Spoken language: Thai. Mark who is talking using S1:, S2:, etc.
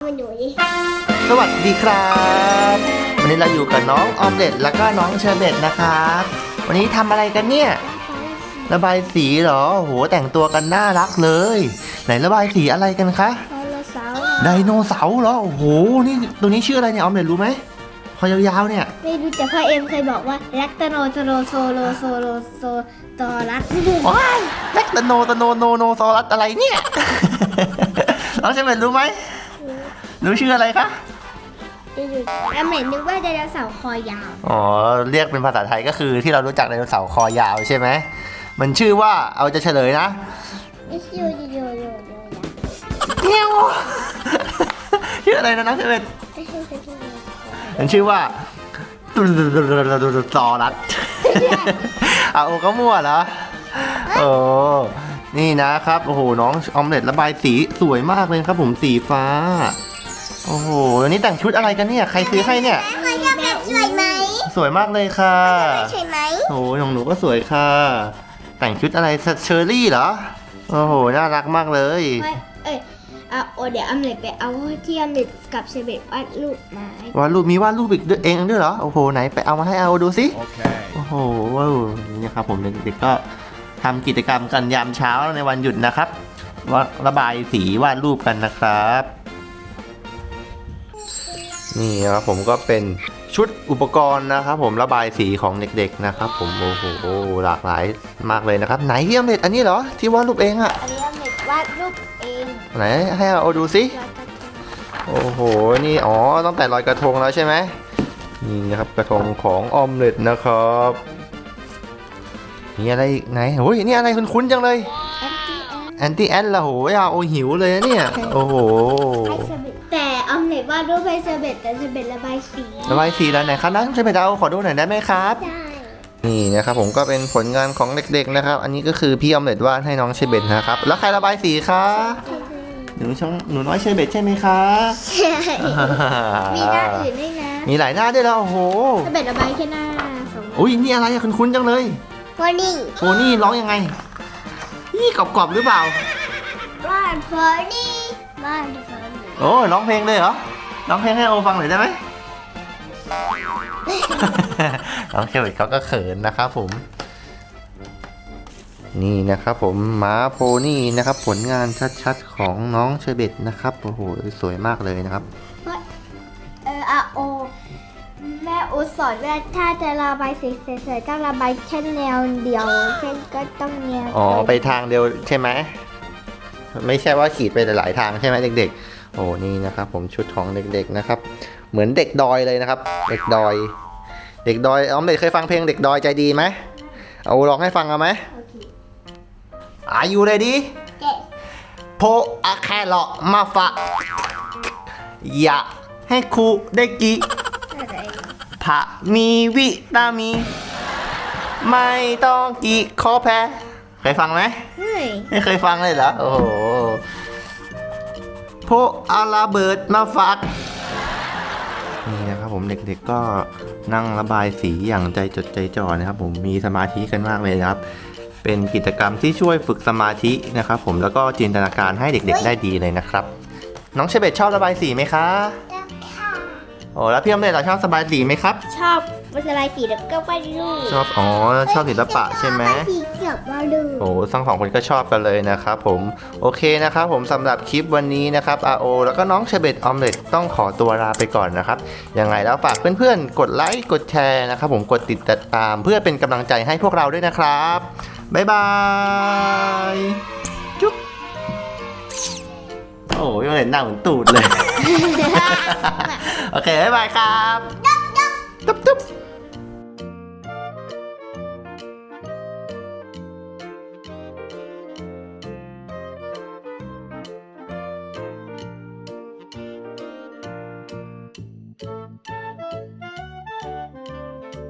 S1: หนูดิ
S2: สวัสดีครับวันนี้เราอยู่กับน้องออมเล็ตแล้วก็น้องเชอร์เบตนะครับวันนี้ทำอะไรกันเนี่ยระบายสีเหรอโหแต่งตัวกันน่ารักเลยไหนระบายสีอะไรกันคะไดโนเสาร์เหรอโอ้โหนี่ตัวนี้ชื่ออะไรเนี่ยออมเล็ตรู้ไหมพอยาวๆเนี่ย
S1: ไม่รู้แต่พ่อเอ็มเคยบอกว่าแลคตโนโซโลโซโลโซโลโซตอรัส
S2: ว้ายแลคตโนโนซอรัสอะไรเนี่ยน้องเชอร์เบตรู้ไหมรู้ชื่ออะไรคะ
S1: แล้วเหม็นนึกว่าไดโนเสาร์คอยาว
S2: อ๋อเรียกเป็นภาษาไทยก็คือที่เรารู้จักไดโนเสาร์คอยาวใช่ไหมมันชื่อว่าเอาจะเฉลยนะเงี้ยวชื่ออะไรนะน้องเชอร์เบตมันชื่อว่าซอรัสโอ้ก็มั่วเหรอโอ้นี่นะครับโอ้โหน้องออมเล็ตระบายสีสวยมากเลยครับผมสีฟ้าโอ้โหวันนี้แต่งชุดอะไรกันเนี่ยใครซื้อให้เนี่ย
S1: สวยไหม
S2: สวยมากเลยค่ะ
S1: สวยไหม
S2: โอ้โหของหนูก็สวยค่ะแต่งชุดอะไรเชอร์รี่เหรอโอ้โหน่ารักมากเลย
S1: เดี๋ยวอเมริกไปเอาที่อเมริกกับเชเบตวาดรูปมาว
S2: าดรูปมีวาดรูปอีกเองด้วยเหรอโอ้โหไหนไปเอามาให้เอาดูสิโอ้โหว้าวนี่ครับผมเด็กๆก็ทำกิจกรรมกันยามเช้าในวันหยุดนะครับว่าระบายสีวาดรูปกันนะครับนี่ครับผมก็เป็นชุดอุปกรณ์นะครับผมระบายสีของเด็กๆนะครับผมโอ้โหหลากหลายมากเลยนะครับไหนที่อเมริกอันนี้เหรอที่วาดรูปเองอะ
S1: อันนี้อเมริกวาดรูปเอง
S2: ไหนให้เอาดูสิโอ้โหนี่อ๋อตั้งแต่ลอยกระทงแล้วใช่ไหมนี่นะครับกระทงของออมเล็ตนะครับนี่อะไรไหนโอ้ยนี่อะไรคุ้นๆจังเลยแอนตี้แอนละโหยโอ้หิวเลยนะเนี่ยโอ้โห
S1: แต่ออมเล็ตวาดรูปให้เชเบตแต่เชเบตระบายสี
S2: แล้วไหนครับนะเชเบตเอาขอดูหน่อยได้ไหมครับนี่นะครับผมก็เป็นผลงานของเด็กๆนะครับอันนี้ก็คือพี่ออมเล็ตวาดให้น้องเชเบตนะครับแล้วใครระบายสีคะหนูน้อยเชเบตใช่ไหมคะ
S1: มีหน้าอื่นด้วยนะ
S2: มีหลายหน้าด้วยแล้วโอ้โห
S1: เชเบตระบายแค่หน้า
S2: อุ้ยนี่อะไรอะคุ้นๆจังเลย
S1: โพนี่
S2: ร้องยังไงนี่กรอบๆหรือเปล่า
S1: บ้านโพนี่
S2: โอ้ร้องเพลงเลยเหรอร้องเพลงให้โอฟังหน่อยได้ไหมน้องเชเบตเขาก็เขินนะครับผมนี่นะครับผมม้าโพนี่นะครับผลงานชัดๆของน้องเชเบตนะครับโอ้โหสวยมากเลยนะครับ
S1: โอแม่โอสอนว่าถ้าจะระบายสีสวยๆต้องระบายแค่แนวเดียวเช่นก็ต้องแนว
S2: ไปทางเดียวใช่ไหมไม่ใช่ว่าขีดไปหลายๆทางใช่ไหมเด็กๆโอ้นี่นะครับผมชุดของเด็กๆนะครับเหมือนเด็กดอยเลยนะครับเด็กดอยออมเล็ตเคยฟังเพลงเด็กดอยใจดีไหมเอาร้องให้ฟังเอาไหมAre you ready โพอะแครอมาฝากอยากให้ครูได้กิผักมีวิตามินไม่ต้องกิขอแพ้เคยฟังไหมไม่เคยฟังเลยเหรอโอ้โหโพอาลาเบิร์ดมาฝากนี่นะครับผมเด็กๆก็นั่งระบายสีอย่างใจจดใจจ่อนะครับผมมีสมาธิกันมากเลยนะครับเป็นกิจกรรมที่ช่วยฝึกสมาธินะครับผมแล้วก็จินตนาการให้เด็กๆได้ดีเลยนะครับน้องเชเบตชอบระบายสีไหมคะโอ้แล้วพี่อมเล็ตชอบระบายสีไหมครับ
S1: ชอบระบายสีแล้วก็วาดรูป
S2: ชอบศิลปะใช่ไหมโอ้ทั้งสองคนก็ชอบกันเลยนะครับผมโอเคนะครับผมสำหรับคลิปวันนี้นะครับROแล้วก็น้องเชเบตออมเล็ตต้องขอตัวลาไปก่อนนะครับยังไงแล้วฝากเพื่อนๆกดไลค์กดแชร์นะครับผมกดติดตามเพื่อเป็นกำลังใจให้พวกเราด้วยนะครับบ๊ายบายจุ๊บโอ้ยเห็นหน้าเหมือนตูดเลยโอเคบ๊ายบายครับจุ๊บ